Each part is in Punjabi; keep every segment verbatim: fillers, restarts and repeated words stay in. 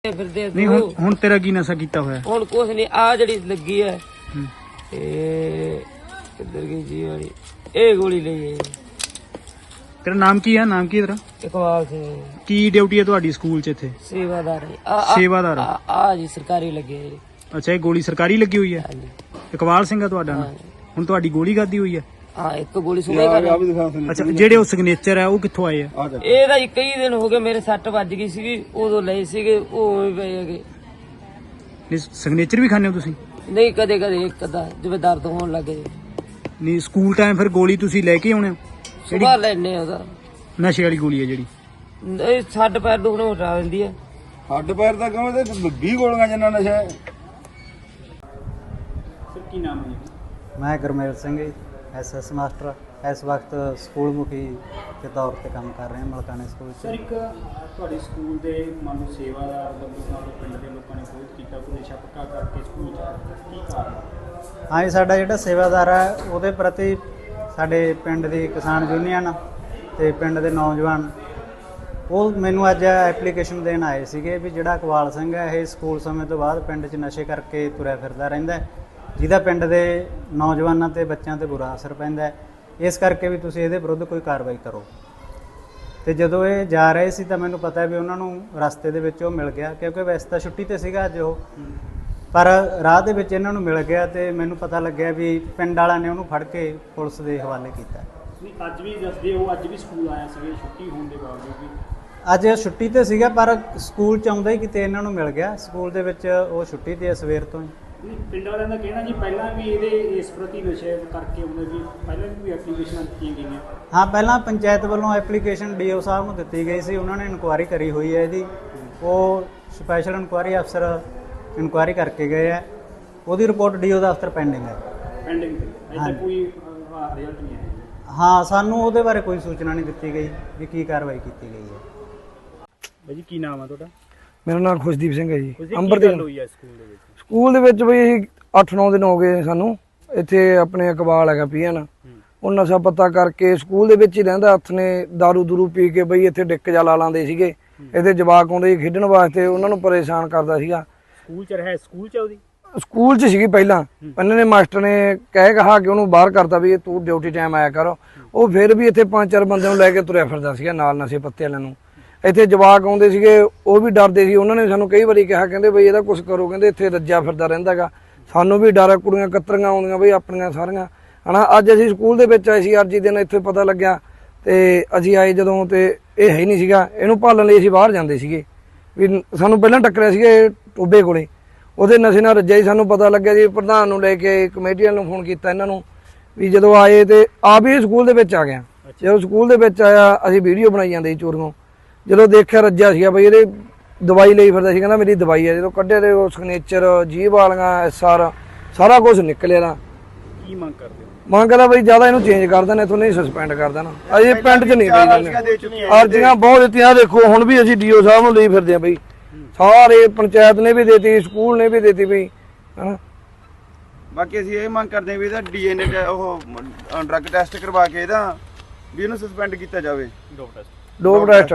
ਫਿਰਦੇ ਨਹੀਂ ਹੁਣ ਹੁਣ ਤੇਰਾ ਕੀ ਨਸ਼ਾ ਕੀਤਾ ਹੋਇਆ? ਹੁਣ ਕੁਛ ਨਹੀਂ, ਆ ਜਿਹੜੀ ਲੱਗੀ ਹੈ ਇਹ ਕਿੱਧਰ ਗਈ ਜੀ ਵਾਲੀ, ਇਹ ਗੋਲੀ ਲਈ ਹੈ। ਤੇਰਾ ਨਾਮ ਕੀ ਹੈ? ਨਾਮ ਕੀ ਹੈ ਤੇਰਾ? ਇਕਬਾਲ ਸਿੰਘ। ਕੀ ਡਿਊਟੀ ਹੈ ਤੁਹਾਡੀ ਸਕੂਲ 'ਚ ਇੱਥੇ? ਸੇਵਾਦਾਰ ਹੈ। ਸੇਵਾਦਾਰ ਆ ਆ ਜੀ ਸਰਕਾਰੀ ਲੱਗੇ ਹੈ ਜੀ। ਅੱਛਾ, ਇਹ ਗੋਲੀ ਸਰਕਾਰੀ ਲੱਗੀ ਹੋਈ ਹੈ? ਹਾਂਜੀ। ਇਕਬਾਲ ਸਿੰਘ ਆ ਤੁਹਾਡਾ ਨਾਮ? ਹੁਣ ਤੁਹਾਡੀ ਗੋਲੀ ਖਾਦੀ ਹੋਈ ਹੈ? ਹਾਂ, ਇੱਕ ਗੋਲੀ ਸੁਣੇ ਕਰ। ਅੱਛਾ, ਜਿਹੜੇ ਉਹ ਸਿਗਨੇਚਰ ਹੈ ਉਹ ਕਿੱਥੋਂ ਆਏ ਆ? ਇਹ ਤਾਂ ਕਈ ਦਿਨ ਹੋ ਗਏ, ਮੇਰੇ ਸੱਟ ਵੱਜ ਗਈ ਸੀਗੀ, ਉਦੋਂ ਲਏ ਸੀਗੇ, ਉਹ ਵੀ ਪਏ ਹੈਗੇ। ਨਹੀਂ, ਸਿਗਨੇਚਰ ਵੀ ਖਾਂਦੇ ਹੋ ਤੁਸੀਂ? ਨਹੀਂ, ਕਦੇ ਕਦੇ ਇੱਕ ਅੱਧਾ ਜਿਵੇਂ ਦਰਦ ਹੋਣ ਲੱਗੇ। ਨਹੀਂ, ਸਕੂਲ ਟਾਈਮ ਫਿਰ ਗੋਲੀ ਤੁਸੀਂ ਲੈ ਕੇ ਆਉਣੇ ਹੋ? ਸੁਭਾ ਲੈਣੇ ਉਹਦਾ ਨਸ਼ੇ ਵਾਲੀ ਗੋਲੀ ਹੈ ਜਿਹੜੀ? ਇਹ ਛੱਡ ਪੈਰ ਦੁਖਣੋਂ ਹਟਾ ਦਿੰਦੀ ਹੈ। ਹੱਡ ਪੈਰ ਦਾ ਕਹਾਂ ਤੇ ਵੀਹ ਗੋਲੀਆਂ ਜਿੰਨਾ ਨਸ਼ਾ ਹੈ। ਸਰ ਕੀ ਨਾਮ ਹੈ ਜੀ? मैं Gurmel Singh S S master इस वक्त स्कूल मुखी के तौर पर काम कर रहे हैं मलकाने स्कूल ਸਰ, ਇੱਕ ਤੁਹਾਡੇ ਸਕੂਲ ਦੇ ਮੰਨ ਲਓ ਸੇਵਾਦਾਰ ਵੱਲੋਂ ਨਾਲ ਪਿੰਡ ਦੇ ਲੋਕਾਂ ਨੇ ਵਿਰੋਧ ਕੀਤਾ, ਕੋਈ ਨਸ਼ਾ ਪੱਕਾ ਕਰਕੇ ਸਕੂਲ 'ਚ, ਕੀ ਕਾਰਨ? हाँ जी, साडा जिहड़ा सेवादार है ਉਹਦੇ ਪ੍ਰਤੀ ਸਾਡੇ ਪਿੰਡ ਦੀ ਕਿਸਾਨ ਯੂਨੀਅਨ ਤੇ ਪਿੰਡ ਦੇ ਨੌਜਵਾਨ ਉਹ ਮੈਨੂੰ ਅੱਜ ਐਪਲੀਕੇਸ਼ਨ ਦੇਣ ਆਏ ਸੀਗੇ ਵੀ ਜਿਹੜਾ ਇਕਬਾਲ ਸਿੰਘ ਹੈ ਇਹ ਸਕੂਲ ਸਮੇਂ ਤੋਂ ਬਾਅਦ ਪਿੰਡ 'ਚ ਨਸ਼ੇ ਕਰਕੇ ਤੁਰਿਆ ਫਿਰਦਾ ਰਹਿੰਦਾ ਹੈ, ਜਿਹਦਾ ਪਿੰਡ ਦੇ ਨੌਜਵਾਨਾਂ ਤੇ ਬੱਚਿਆਂ ਤੇ ਬੁਰਾ ਅਸਰ ਪੈਂਦਾ ਹੈ, ਇਸ ਕਰਕੇ ਵੀ ਤੁਸੀਂ ਇਹਦੇ ਵਿਰੁੱਧ ਕੋਈ ਕਾਰਵਾਈ ਕਰੋ। ਤੇ ਜਦੋਂ ਇਹ ਜਾ ਰਹੇ ਸੀ ਤਾਂ ਮੈਨੂੰ ਪਤਾ ਵੀ ਉਹਨਾਂ ਨੂੰ ਰਸਤੇ ਦੇ ਵਿੱਚ ਉਹ ਮਿਲ ਗਿਆ, ਕਿਉਂਕਿ ਵੈਸੇ ਤਾਂ ਛੁੱਟੀ ਤੇ ਸੀਗਾ ਅੱਜ ਉਹ, ਪਰ ਰਾਹ ਦੇ ਵਿੱਚ ਇਹਨਾਂ ਨੂੰ ਮਿਲ ਗਿਆ ਤੇ ਮੈਨੂੰ ਪਤਾ ਲੱਗਿਆ ਵੀ ਪਿੰਡ ਵਾਲਿਆਂ ਨੇ ਉਹਨੂੰ ਫੜ ਕੇ ਪੁਲਿਸ ਦੇ ਹਵਾਲੇ ਕੀਤਾ। ਨਹੀਂ, ਅੱਜ ਵੀ ਦੱਸਦੇ ਹੋ ਅੱਜ ਵੀ ਸਕੂਲ ਆਇਆ ਸੀਗੇ ਛੁੱਟੀ ਹੋਣ ਦੇ ਬਾਵਜੂਦ ਵੀ? ਅੱਜ ਛੁੱਟੀ ਤੇ ਸੀਗਾ ਪਰ ਸਕੂਲ ਚ ਆਉਂਦਾ ਹੀ ਕਿਤੇ ਇਹਨਾਂ ਨੂੰ ਮਿਲ ਗਿਆ, ਸਕੂਲ ਦੇ ਵਿੱਚ ਉਹ ਛੁੱਟੀ ਤੇ ਸਵੇਰ ਤੋਂ ਹੀ। ਪਿੰਡ ਵਾਲਿਆਂ ਦਾ ਕਹਿਣਾ ਜੀ ਪਹਿਲਾਂ ਵੀ ਇਹਦੇ ਇਸ ਪ੍ਰਤੀ ਨਸ਼ੇ ਕਰਕੇ ਉਹਨੇ ਵੀ ਪਹਿਲਾਂ ਵੀ ਐਪਲੀਕੇਸ਼ਨਾਂ ਦਿੱਤੀਆਂ ਗਈਆਂ। ਹਾਂ, ਪਹਿਲਾਂ ਪੰਚਾਇਤ ਵੱਲੋਂ ਐਪਲੀਕੇਸ਼ਨ ਡੀ ਓ ਸਾਹਿਬ ਨੂੰ ਦਿੱਤੀ ਗਈ ਸੀ, ਉਹਨਾਂ ਨੇ ਇਨਕੁਆਇਰੀ ਕਰੀ ਹੋਈ ਹੈ ਇਹਦੀ, ਉਹ ਸਪੈਸ਼ਲ ਇਨਕੁਆਇਰੀ ਅਫਸਰ ਇਨਕੁਆਇਰੀ ਕਰਕੇ ਗਏ ਹੈ, ਉਹਦੀ ਰਿਪੋਰਟ ਡੀ ਓ ਦਾ ਅਫਸਰ ਪੈਂਡਿੰਗ ਹੈ। ਪੈਂਡਿੰਗ ਤੇ ਅਜੇ ਕੋਈ ਰਿਜ਼ਲਟ ਨਹੀਂ ਆਇਆ? ਹਾਂ, ਸਾਨੂੰ ਉਹਦੇ ਬਾਰੇ ਕੋਈ ਸੂਚਨਾ ਨਹੀਂ ਦਿੱਤੀ ਗਈ ਵੀ ਕੀ ਕਾਰਵਾਈ ਕੀਤੀ ਗਈ ਹੈ। ਬਾਈ ਜੀ, ਕੀ ਨਾਮ ਹੈ ਤੁਹਾਡਾ? ਮੇਰਾ ਨਾਮ ਖੁਸ਼ਦੀਪ ਸਿੰਘ ਹੈ ਜੀ। ਅੰਬਰ ਦੇ ਹੋਈ ਹੈ ਸਕੂਲ ਦੇ ਵਿੱਚ? ਸਕੂਲ ਦੇ ਵਿੱਚ ਬਈ ਅਸੀਂ ਅੱਠ ਨੌ ਦਿਨ ਹੋ ਗਏ ਸਾਨੂੰ ਇੱਥੇ, ਆਪਣੇ ਇਕਬਾਲ ਹੈਗਾ ਪੀਐਨ, ਉਹ ਨਸ਼ਾ ਪੱਤਾ ਕਰਕੇ ਸਕੂਲ ਦੇ ਵਿੱਚ ਹੀ ਰਹਿੰਦਾ, ਹੱਥ ਨੇ ਦਾਰੂ ਦੂਰੂ ਪੀ ਕੇ ਬਈ ਇੱਥੇ ਡਿੱਕ ਜਾ ਲਾ ਲਾਂਦੇ ਸੀਗੇ, ਇਹਦੇ ਜਵਾਕ ਆਉਂਦੇ ਸੀ ਖੇਡਣ ਵਾਸਤੇ, ਉਹਨਾਂ ਨੂੰ ਪਰੇਸ਼ਾਨ ਕਰਦਾ ਸੀਗਾ। ਸਕੂਲ ਚ ਰਿਹਾ? ਸਕੂਲ ਚ ਉਹਦੀ ਸਕੂਲ 'ਚ ਸੀਗੀ ਪਹਿਲਾਂ, ਇਹਨਾਂ ਨੇ ਮਾਸਟਰ ਨੇ ਕਹਿ ਕਹਾ ਕੇ ਉਹਨੂੰ ਬਾਹਰ ਕਰਤਾ ਵੀ ਤੂੰ ਡਿਊਟੀ ਟਾਈਮ ਆਇਆ ਕਰ, ਉਹ ਫਿਰ ਵੀ ਇੱਥੇ ਪੰਜ ਚਾਰ ਬੰਦਿਆਂ ਨੂੰ ਲੈ ਕੇ ਤੁਰਿਆ ਫਿਰਦਾ ਸੀਗਾ ਨਾਲ ਨਸ਼ੇ ਪੱਤੇ ਵਾਲਿਆਂ ਨੂੰ। ਇੱਥੇ ਜਵਾਕ ਆਉਂਦੇ ਸੀਗੇ, ਉਹ ਵੀ ਡਰਦੇ ਸੀ, ਉਹਨਾਂ ਨੇ ਸਾਨੂੰ ਕਈ ਵਾਰੀ ਕਿਹਾ, ਕਹਿੰਦੇ ਬਈ ਇਹਦਾ ਕੁਛ ਕਰੋ, ਕਹਿੰਦੇ ਇੱਥੇ ਰੱਜਿਆ ਫਿਰਦਾ ਰਹਿੰਦਾ ਗਾ, ਸਾਨੂੰ ਵੀ ਡਰ, ਕੁੜੀਆਂ ਕਤਰੀਆਂ ਆਉਂਦੀਆਂ ਬਈ ਆਪਣੀਆਂ ਸਾਰੀਆਂ ਹਨਾ। ਅੱਜ ਅਸੀਂ ਸਕੂਲ ਦੇ ਵਿੱਚ ਆਏ ਸੀ ਅਰਜੀ ਦਿਨ, ਇੱਥੇ ਪਤਾ ਲੱਗਿਆ ਤੇ ਅਸੀਂ ਆਏ ਜਦੋਂ ਤੇ ਇਹ ਹੈ ਹੀ ਨਹੀਂ ਸੀਗਾ, ਇਹਨੂੰ ਭਾਲਣ ਲਈ ਅਸੀਂ ਬਾਹਰ ਜਾਂਦੇ ਸੀਗੇ ਵੀ ਸਾਨੂੰ ਪਹਿਲਾਂ ਟੱਕਰਿਆ ਸੀਗਾ ਇਹ ਟੋਬੇ ਕੋਲੇ, ਉਹਦੇ ਨਸ਼ੇ ਨਾਲ ਰੱਜਿਆ ਹੀ, ਸਾਨੂੰ ਪਤਾ ਲੱਗਿਆ ਜੀ ਪ੍ਰਧਾਨ ਨੂੰ ਲੈ ਕੇ ਕਮੇਟੀ ਵਾਲਿਆਂ ਨੂੰ ਫੋਨ ਕੀਤਾ ਇਹਨਾਂ ਨੂੰ ਵੀ ਜਦੋਂ ਆਏ ਤੇ ਆਪ ਹੀ ਸਕੂਲ ਦੇ ਵਿੱਚ ਆ ਗਿਆ। ਜਦੋਂ ਸਕੂਲ ਦੇ ਵਿੱਚ ਆਇਆ ਅਸੀਂ ਵੀਡੀਓ ਬਣਾਈ ਜਾਂਦੇ ਸੀ ਚੋਰੀਆਂ, ਜਦੋਂ ਦੇਖਿਆ ਰੱਜਿਆ ਸੀਗਾ ਬਈ ਇਹਦੇ ਦਵਾਈ ਲਈ ਫਿਰਦਾ ਸੀ, ਕਹਿੰਦਾ ਮੇਰੀ ਦਵਾਈ ਹੈ, ਜਦੋਂ ਕੱਢਿਆ ਤੇ ਉਹ ਸਿਗਨੇਚਰ ਜੀਭ ਵਾਲੀਆਂ ਐਸ ਆਰ ਸਾਰਾ ਕੁਝ ਨਿਕਲਿਆ ਦਾ। ਕੀ ਮੰਗ ਕਰਦੇ ਹੋ? ਮੰਗ ਕਰਦਾ ਬਈ ਜਿਆਦਾ ਇਹਨੂੰ ਚੇਂਜ ਕਰ ਦੇਣਾ, ਇੱਥੋਂ ਨਹੀਂ ਸਸਪੈਂਡ ਕਰ ਦੇਣਾ, ਅਜੇ ਪਿੰਡ 'ਚ ਨਹੀਂ ਬਈ ਅਰਜ਼ੀਆਂ ਬਹੁਤ ਦਿੱਤੀਆਂ, ਦੇਖੋ ਹੁਣ ਵੀ ਅਸੀਂ ਡੀਓ ਸਾਹਿਬ ਨੂੰ ਲਈ ਫਿਰਦੇ ਆ ਬਈ, ਸਾਰੇ ਪੰਚਾਇਤ ਨੇ ਵੀ ਦੇਤੀ, ਸਕੂਲ ਨੇ ਵੀ ਦੇਤੀ ਬਈ ਹਨਾ। ਬਾਕੀ ਅਸੀਂ ਇਹ ਮੰਗ ਕਰਦੇ ਹਾਂ ਵੀ ਇਹਦਾ ਡੀਐਨਏ ਉਹ ਡਰੱਗ ਟੈਸਟ ਕਰਵਾ ਕੇ ਇਹਦਾ ਵੀ ਇਹਨੂੰ ਸਸਪੈਂਡ ਕੀਤਾ ਜਾਵੇ। Dope test dope test.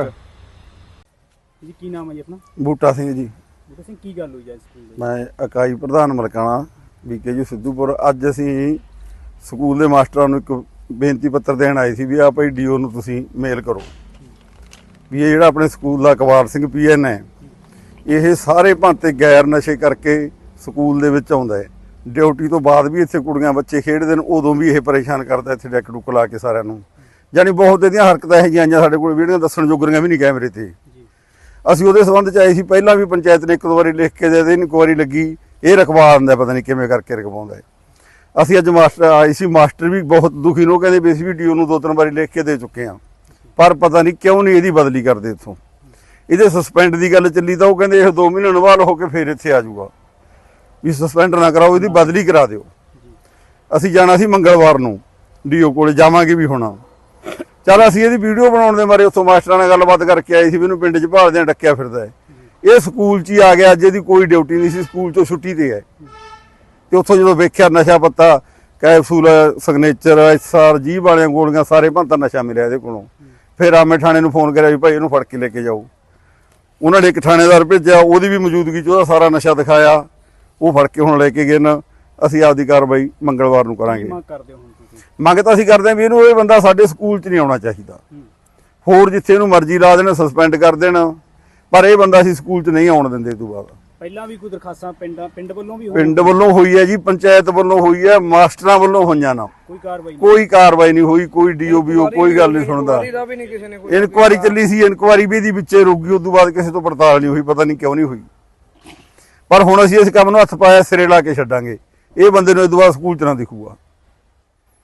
ਜੀ, ਕੀ ਨਾਮ ਹੈ ਜੀ ਆਪਣਾ? ਬੂਟਾ ਸਿੰਘ ਜੀ। ਬੂਟਾ ਸਿੰਘ, ਕੀ ਗੱਲ ਹੋਈ ਹੈ ਸਕੂਲ ਦੇ? ਮੈਂ ਇਕਾਈ ਪ੍ਰਧਾਨ ਮਲਕਾਣਾ ਬੀਕੇ ਜੀ ਸਿੱਧੂਪੁਰ। ਅੱਜ ਅਸੀਂ ਸਕੂਲ ਦੇ ਮਾਸਟਰਾਂ ਨੂੰ ਇੱਕ ਬੇਨਤੀ ਪੱਤਰ ਦੇਣ ਆਏ ਸੀ ਵੀ ਆ ਭਾਈ ਡੀਓ ਨੂੰ ਤੁਸੀਂ ਮੇਲ ਕਰੋ ਵੀ ਇਹ ਜਿਹੜਾ ਆਪਣੇ ਸਕੂਲ ਦਾ ਇਕਬਾਲ ਸਿੰਘ ਪੀਐਨ ਹੈ, ਇਹ ਸਾਰੇ ਭਾਂਤੇ ਗੈਰ ਨਸ਼ੇ ਕਰਕੇ ਸਕੂਲ ਦੇ ਵਿੱਚ ਆਉਂਦਾ ਹੈ, ਡਿਊਟੀ ਤੋਂ ਬਾਅਦ ਵੀ ਇੱਥੇ ਕੁੜੀਆਂ ਬੱਚੇ ਖੇਡਦੇ ਨੇ, ਉਦੋਂ ਵੀ ਇਹ ਪਰੇਸ਼ਾਨ ਕਰਦਾ, ਇੱਥੇ ਡੈਕ ਡੁੱਕ ਲਾ ਕੇ ਸਾਰਿਆਂ ਨੂੰ, ਜਾਣੀ ਬਹੁਤ ਇਹਦੀਆਂ ਹਰਕਤਾਂ ਇਹੋ ਜਿਹੀਆਂ ਆਈਆਂ ਸਾਡੇ ਕੋਲ, ਵੀਡੀਓ ਦੱਸਣ ਜੋਗਰੀਆਂ ਵੀ ਨਹੀਂ ਕੈਮਰੇ ਤੇ। ਅਸੀਂ ਉਹਦੇ ਸੰਬੰਧ 'ਚ ਆਏ ਸੀ, ਪਹਿਲਾਂ ਵੀ ਪੰਚਾਇਤ ਨੇ ਇੱਕ ਦੋ ਵਾਰੀ ਲਿਖ ਕੇ ਦੇ ਦੇ, ਇਨਕੁਆਇਰੀ ਲੱਗੀ, ਇਹ ਰਖਵਾ ਦਿੰਦਾ, ਪਤਾ ਨਹੀਂ ਕਿਵੇਂ ਕਰਕੇ ਰਖਵਾਉਂਦਾ ਹੈ। ਅਸੀਂ ਅੱਜ ਮਾਸਟਰ ਆਏ ਸੀ, ਮਾਸਟਰ ਵੀ ਬਹੁਤ ਦੁਖੀ ਨੇ, ਉਹ ਕਹਿੰਦੇ ਵੀ ਅਸੀਂ ਵੀ ਡੀਓ ਨੂੰ ਦੋ ਤਿੰਨ ਵਾਰੀ ਲਿਖ ਕੇ ਦੇ ਚੁੱਕੇ ਹਾਂ, ਪਰ ਪਤਾ ਨਹੀਂ ਕਿਉਂ ਨਹੀਂ ਇਹਦੀ ਬਦਲੀ ਕਰਦੇ ਇੱਥੋਂ। ਇਹਦੇ ਸਸਪੈਂਡ ਦੀ ਗੱਲ ਚੱਲੀ ਤਾਂ ਉਹ ਕਹਿੰਦੇ ਇਹ ਦੋ ਮਹੀਨੇ ਨਵਾਲ ਹੋ ਕੇ ਫਿਰ ਇੱਥੇ ਆ ਜਾਊਗਾ, ਵੀ ਸਸਪੈਂਡ ਨਾ ਕਰਾਓ, ਇਹਦੀ ਬਦਲੀ ਕਰਾ ਦਿਓ। ਅਸੀਂ ਜਾਣਾ ਸੀ ਮੰਗਲਵਾਰ ਨੂੰ, ਡੀਓ ਕੋਲੇ ਜਾਵਾਂਗੇ ਵੀ ਹੋਣਾ। ਚੱਲ ਅਸੀਂ ਇਹਦੀ ਵੀਡੀਓ ਬਣਾਉਣ ਦੇ ਬਾਰੇ ਉੱਥੋਂ ਮਾਸਟਰਾਂ ਨਾਲ ਗੱਲਬਾਤ ਕਰਕੇ ਆਏ ਸੀ ਵੀ ਇਹਨੂੰ ਪਿੰਡ 'ਚ ਭਾਲਦਿਆਂ ਡੱਕਿਆ ਫਿਰਦਾ ਹੈ, ਇਹ ਸਕੂਲ 'ਚ ਹੀ ਆ ਗਿਆ, ਅੱਜ ਇਹਦੀ ਕੋਈ ਡਿਊਟੀ ਨਹੀਂ ਸੀ, ਸਕੂਲ 'ਚੋਂ ਛੁੱਟੀ ਤੇ ਹੈ। ਤੇ ਉੱਥੋਂ ਜਦੋਂ ਵੇਖਿਆ ਨਸ਼ਾ ਪੱਤਾ, ਕੈਪਸੂਲ, ਸਿਗਨੇਚਰ, ਐਸ ਆਰ, ਜੀਭ ਵਾਲੀਆਂ ਗੋਲੀਆਂ, ਸਾਰੇ ਭਾਂਤਾ ਨਸ਼ਾ ਮਿਲਿਆ ਇਹਦੇ ਕੋਲੋਂ। ਫਿਰ ਆਮੇ ਥਾਣੇ ਨੂੰ ਫੋਨ ਕਰਿਆ ਵੀ ਭਾਈ ਇਹਨੂੰ ਫੜ ਕੇ ਲੈ ਕੇ ਜਾਓ। ਉਹਨਾਂ ਨੇ ਇੱਕ ਥਾਣੇਦਾਰ ਭੇਜਿਆ, ਉਹਦੀ ਵੀ ਮੌਜੂਦਗੀ 'ਚ ਉਹਦਾ ਸਾਰਾ ਨਸ਼ਾ ਦਿਖਾਇਆ, ਉਹ ਫੜ ਕੇ ਹੁਣ ਲੈ ਕੇ ਗਏ ਨਾ। ਅਸੀਂ ਆਪਦੀ ਕਾਰਵਾਈ ਮੰਗਲਵਾਰ ਨੂੰ ਕਰਾਂਗੇ। ਮੰਗ ਕਰਦੇ ਹੋ ਹੁਣ ਤੁਸੀਂ? ਮੰਗ ਤਾਂ ਅਸੀਂ ਕਰਦੇ ਹਾਂ ਵੀ ਇਹਨੂੰ, ਇਹ ਬੰਦਾ ਸਾਡੇ ਸਕੂਲ 'ਚ ਨਹੀਂ ਆਉਣਾ ਚਾਹੀਦਾ। ਹੋਰ ਜਿੱਥੇ ਇਹਨੂੰ ਮਰਜ਼ੀ ਲਾ ਦੇਣ, ਸਸਪੈਂਡ ਕਰ ਦੇਣ, ਪਰ ਇਹ ਬੰਦਾ ਅਸੀਂ ਸਕੂਲ 'ਚ ਨਹੀਂ ਆਉਣ ਦਿੰਦੇ। ਇਹ ਤੋਂ ਬਾਅਦ ਪਹਿਲਾਂ ਵੀ ਕੋਈ ਦਰਖਾਸਤਾਂ ਪਿੰਡਾਂ ਪਿੰਡ ਵੱਲੋਂ ਵੀ ਹੋਈ? ਪਿੰਡ ਵੱਲੋਂ ਹੋਈ ਹੈ ਜੀ, ਪੰਚਾਇਤ ਵੱਲੋਂ ਹੋਈ ਹੈ, ਮਾਸਟਰਾਂ ਵੱਲੋਂ ਹੋਈਆਂ ਨਾ, ਕੋਈ ਕਾਰਵਾਈ ਨਹੀਂ? ਕੋਈ ਕਾਰਵਾਈ ਨਹੀਂ ਹੋਈ, ਕੋਈ ਡੀਓਬੀਓ ਕੋਈ ਗੱਲ ਨਹੀਂ ਸੁਣਦਾ। ਵੀ ਨਹੀਂ ਕਿਸੇ ਨੇ ਕੋਈ ਇਨਕੁਆਰੀ ਚੱਲੀ ਸੀ, ਇਨਕੁਆਰੀ ਵੀ ਇਹਦੀ ਵਿੱਚੇ ਰੁਕ ਗਈ, ਉਸ ਤੋਂ ਬਾਅਦ ਕਿਸੇ ਤੋਂ ਪੜਤਾਲ ਨਹੀਂ ਹੋਈ, ਪਤਾ ਨਹੀਂ ਕਿਉਂ ਨਹੀਂ ਹੋਈ। ਪਰ ਹੁਣ ਅਸੀਂ ਇਸ ਕੰਮ ਨੂੰ ਹੱਥ ਪਾਇਆ, ਸਿਰੇ ਲਾ ਕੇ ਛੱਡਾਂਗੇ। ਇਹ ਬੰਦੇ ਨੂੰ ਇਸ ਤੋਂ ਬਾਅਦ ਸਕੂਲ 'ਚ ਨਾ ਦਿਖੂਗਾ।